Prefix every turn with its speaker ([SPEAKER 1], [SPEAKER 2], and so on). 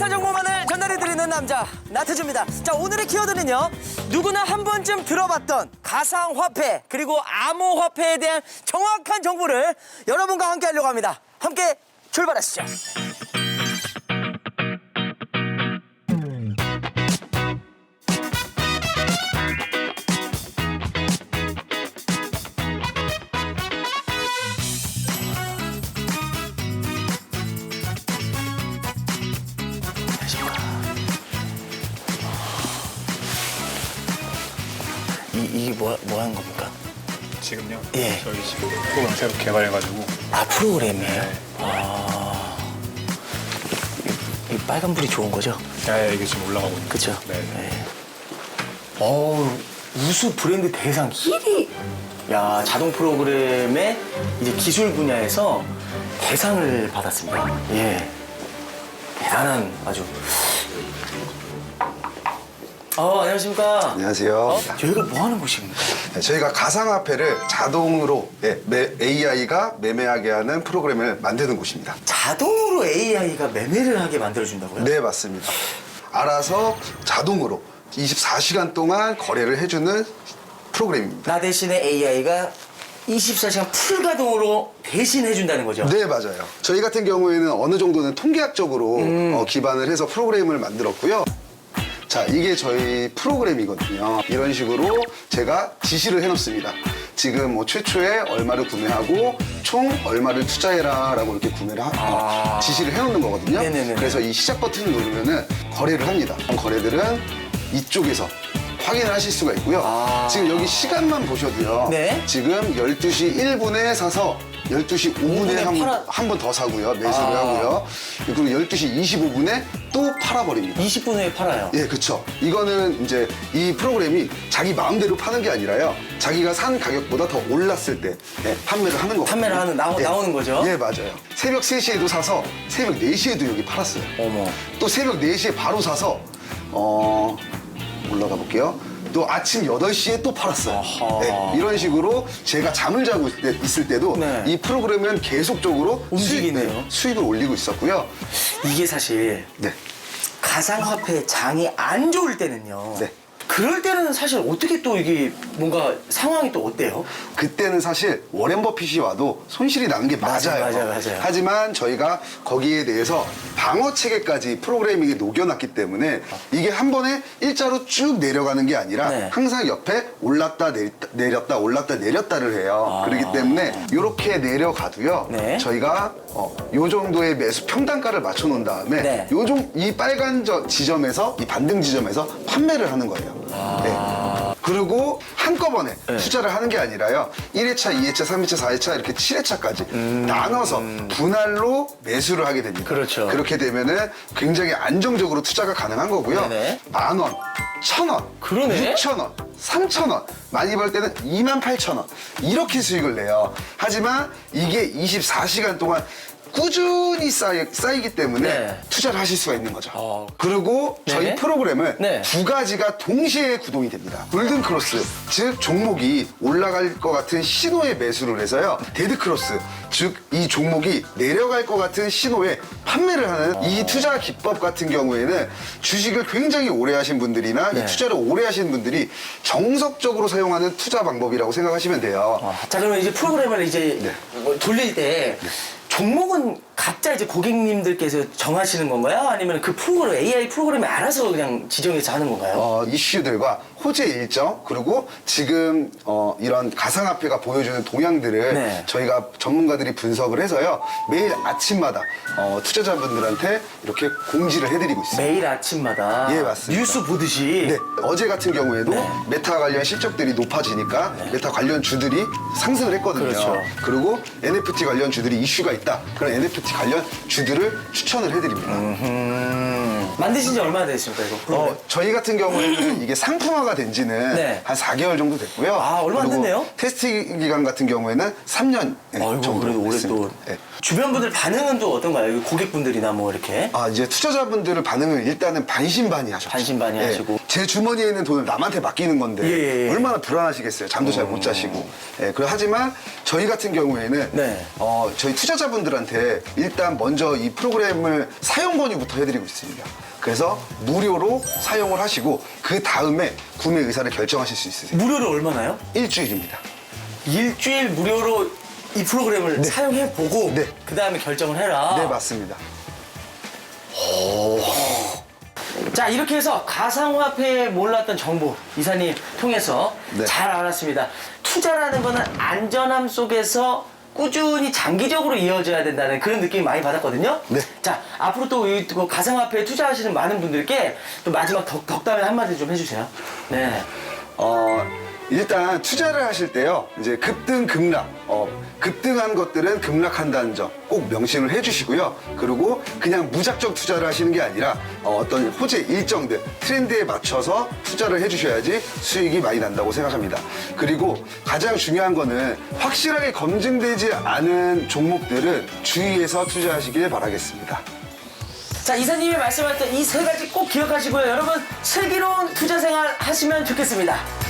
[SPEAKER 1] 핫한 정보만을 전달해드리는 남자 나태주입니다. 자, 오늘의 키워드는요, 누구나 한 번쯤 들어봤던 가상화폐 그리고 암호화폐에 대한 정확한 정보를 여러분과 함께 하려고 합니다. 함께 출발하시죠. 이게 뭐 하는 겁니까?
[SPEAKER 2] 지금요?
[SPEAKER 1] 예.
[SPEAKER 2] 저희 지금 프로그램 새로 개발해가지고.
[SPEAKER 1] 아, 프로그램이에요?
[SPEAKER 2] 네.
[SPEAKER 1] 아. 이 빨간불이 좋은 거죠?
[SPEAKER 2] 네, 이게 지금 올라가고 있는.
[SPEAKER 1] 그쵸?
[SPEAKER 2] 네.
[SPEAKER 1] 네. 어우, 우수 브랜드 대상 1위! 야, 자동 프로그램의 이제 기술 분야에서 대상을 받았습니다. 예. 대단한 아주. 안녕하십니까.
[SPEAKER 3] 안녕하세요.
[SPEAKER 1] 여기가 뭐 하는 곳입니까?
[SPEAKER 3] 네, 저희가 가상화폐를 자동으로 AI가 매매하게 하는 프로그램을 만드는 곳입니다.
[SPEAKER 1] 자동으로 AI가 매매를 하게 만들어준다고요?
[SPEAKER 3] 네, 맞습니다. 알아서 자동으로 24시간 동안 거래를 해주는 프로그램입니다.
[SPEAKER 1] 나 대신에 AI가 24시간 풀가동으로 대신해준다는 거죠?
[SPEAKER 3] 네, 맞아요. 저희 같은 경우에는 어느 정도는 통계학적으로 기반을 해서 프로그램을 만들었고요. 자, 이게 저희 프로그램이거든요. 이런 식으로 제가 지시를 해놓습니다. 지금 뭐 최초에 얼마를 구매하고 총 얼마를 투자해라 라고 이렇게 지시를 해놓는 거거든요.
[SPEAKER 1] 네네네.
[SPEAKER 3] 그래서 이 시작 버튼을 누르면은 거래를 합니다. 거래들은 이쪽에서 확인을 하실 수가 있고요. 지금 여기 시간만 보셔도요.
[SPEAKER 1] 네.
[SPEAKER 3] 지금 12시 1분에 사서 12시 5분에 한 번 더 사고요. 매수를 하고요. 그리고 12시 25분에 또 팔아버립니다.
[SPEAKER 1] 20분 후에 팔아요.
[SPEAKER 3] 예, 그쵸. 이거는 이제 이 프로그램이 자기 마음대로 파는 게 아니라요. 자기가 산 가격보다 더 올랐을 때 판매를 하는 거거든요.
[SPEAKER 1] 판매를 하는, 나오는 거죠?
[SPEAKER 3] 예, 맞아요. 새벽 3시에도 사서 새벽 4시에도 여기 팔았어요.
[SPEAKER 1] 어머.
[SPEAKER 3] 또 새벽 4시에 바로 사서 올라가 볼게요. 또 아침 8시에 또 팔았어요. 네, 이런 식으로 제가 잠을 자고 있을 때도
[SPEAKER 1] 네.
[SPEAKER 3] 이 프로그램은 계속적으로
[SPEAKER 1] 움직이네요.
[SPEAKER 3] 수익을 올리고 있었고요.
[SPEAKER 1] 이게 사실
[SPEAKER 3] 네.
[SPEAKER 1] 가상화폐 장이 안 좋을 때는요.
[SPEAKER 3] 네.
[SPEAKER 1] 그럴 때는 사실 어떻게 또 이게 뭔가 상황이 또 어때요?
[SPEAKER 3] 그때는 사실 워렌 버핏이 와도 손실이 나는 게 맞아요.
[SPEAKER 1] 맞아요.
[SPEAKER 3] 하지만 저희가 거기에 대해서 방어 체계까지 프로그래밍에 녹여놨기 때문에 이게 한 번에 일자로 쭉 내려가는 게 아니라
[SPEAKER 1] 네.
[SPEAKER 3] 항상 옆에 올랐다 내렸다 올랐다 내렸다를 해요. 그렇기 때문에 이렇게 내려가도요.
[SPEAKER 1] 네.
[SPEAKER 3] 저희가 요 정도의 매수 평단가를 맞춰놓은 다음에
[SPEAKER 1] 네.
[SPEAKER 3] 이 빨간 지점에서 이 반등 지점에서 판매를 하는 거예요. 네. 그리고 한꺼번에 투자를 하는 게 아니라요. 1회차, 2회차, 3회차, 4회차 이렇게 7회차까지 나눠서 분할로 매수를 하게 됩니다.
[SPEAKER 1] 그렇죠.
[SPEAKER 3] 그렇게 되면은 굉장히 안정적으로 투자가 가능한 거고요.
[SPEAKER 1] 네네.
[SPEAKER 3] 10,000원, 1,000원,
[SPEAKER 1] 그러네.
[SPEAKER 3] 6,000원, 3,000원, 많이 벌 때는 28,000원 이렇게 수익을 내요. 하지만 이게 24시간 동안 꾸준히 쌓이기 때문에
[SPEAKER 1] 네.
[SPEAKER 3] 투자를 하실 수가 있는 거죠.
[SPEAKER 1] 네.
[SPEAKER 3] 그리고 저희 프로그램은
[SPEAKER 1] 네.
[SPEAKER 3] 두 가지가 동시에 구동이 됩니다. 골든 크로스, 즉 종목이 올라갈 것 같은 신호에 매수를 해서요. 데드 크로스, 즉 이 종목이 내려갈 것 같은 신호에 판매를 하는 이 투자 기법 같은 경우에는 주식을 굉장히 오래 하신 분들이나
[SPEAKER 1] 네.
[SPEAKER 3] 이 투자를 오래 하시는 분들이 정석적으로 사용하는 투자 방법이라고 생각하시면 돼요.
[SPEAKER 1] 자, 그러면 이제 프로그램을 이제 뭐 돌릴 때 종목은 각자 이제 고객님들께서 정하시는 건가요? 아니면 그 프로그램, AI 프로그램이 알아서 그냥 지정해서 하는 건가요?
[SPEAKER 3] 이슈들과 호재 일정 그리고 지금 이런 가상화폐가 보여주는 동향들을
[SPEAKER 1] 네.
[SPEAKER 3] 저희가 전문가들이 분석을 해서요 매일 아침마다 투자자분들한테 이렇게 공지를 해드리고 있습니다.
[SPEAKER 1] 매일 아침마다
[SPEAKER 3] 예, 맞습니다.
[SPEAKER 1] 뉴스 보듯이
[SPEAKER 3] 네, 어제 같은 경우에도
[SPEAKER 1] 네.
[SPEAKER 3] 메타 관련 실적들이 높아지니까 메타 관련 주들이 상승을 했거든요.
[SPEAKER 1] 그렇죠.
[SPEAKER 3] 그리고 NFT 관련 주들이 이슈가 있다. 그런 NFT 관련 주들을 추천을 해드립니다.
[SPEAKER 1] 만드신 지 얼마나 됐습니까, 이거 프로그램?
[SPEAKER 3] 저희 같은 경우에는 이게 상품화가 된 지는
[SPEAKER 1] 네.
[SPEAKER 3] 한 4개월 정도 됐고요.
[SPEAKER 1] 아, 얼마 안
[SPEAKER 3] 그리고
[SPEAKER 1] 됐네요?
[SPEAKER 3] 테스트 기간 같은 경우에는 3년
[SPEAKER 1] 아이고,
[SPEAKER 3] 정도
[SPEAKER 1] 그래도 올해
[SPEAKER 3] 됐습니다.
[SPEAKER 1] 또
[SPEAKER 3] 네.
[SPEAKER 1] 주변 분들 반응은 또 어떤가요? 고객분들이나 뭐 이렇게
[SPEAKER 3] 이제 투자자분들의 반응을 일단은 반신반의 하셨죠.
[SPEAKER 1] 반신반의 하시고.
[SPEAKER 3] 제 주머니에 있는 돈을 남한테 맡기는 건데
[SPEAKER 1] 예, 예.
[SPEAKER 3] 얼마나 불안하시겠어요. 잠도 잘 못 자시고. 예, 하지만 저희 같은 경우에는
[SPEAKER 1] 네.
[SPEAKER 3] 저희 투자자분들한테 일단 먼저 이 프로그램을 사용 권유부터 해드리고 있습니다. 그래서 무료로 사용을 하시고 그 다음에 구매 의사를 결정하실 수 있으세요.
[SPEAKER 1] 무료로 얼마나요?
[SPEAKER 3] 일주일입니다.
[SPEAKER 1] 일주일 무료로 이 프로그램을 사용해보고
[SPEAKER 3] 네.
[SPEAKER 1] 그 다음에 결정을 해라.
[SPEAKER 3] 네, 맞습니다.
[SPEAKER 1] 자, 이렇게 해서 가상화폐에 몰랐던 정보 이사님 통해서
[SPEAKER 3] 네.
[SPEAKER 1] 잘 알았습니다. 투자라는 거는 안전함 속에서 꾸준히 장기적으로 이어져야 된다는 그런 느낌이 많이 받았거든요.
[SPEAKER 3] 네.
[SPEAKER 1] 자, 앞으로 또 이 가상화폐에 투자하시는 많은 분들께 또 마지막 덕담을 한마디 좀 해주세요. 네.
[SPEAKER 3] 일단 투자를 하실 때요, 이제 급등, 급락, 급등한 것들은 급락한다는 점 꼭 명심을 해주시고요. 그리고 그냥 무작정 투자를 하시는 게 아니라 어떤 호재 일정들, 트렌드에 맞춰서 투자를 해주셔야지 수익이 많이 난다고 생각합니다. 그리고 가장 중요한 거는 확실하게 검증되지 않은 종목들은 주의해서 투자하시길 바라겠습니다.
[SPEAKER 1] 자, 이사님이 말씀하셨던 이 세 가지 꼭 기억하시고요. 여러분, 슬기로운 투자 생활 하시면 좋겠습니다.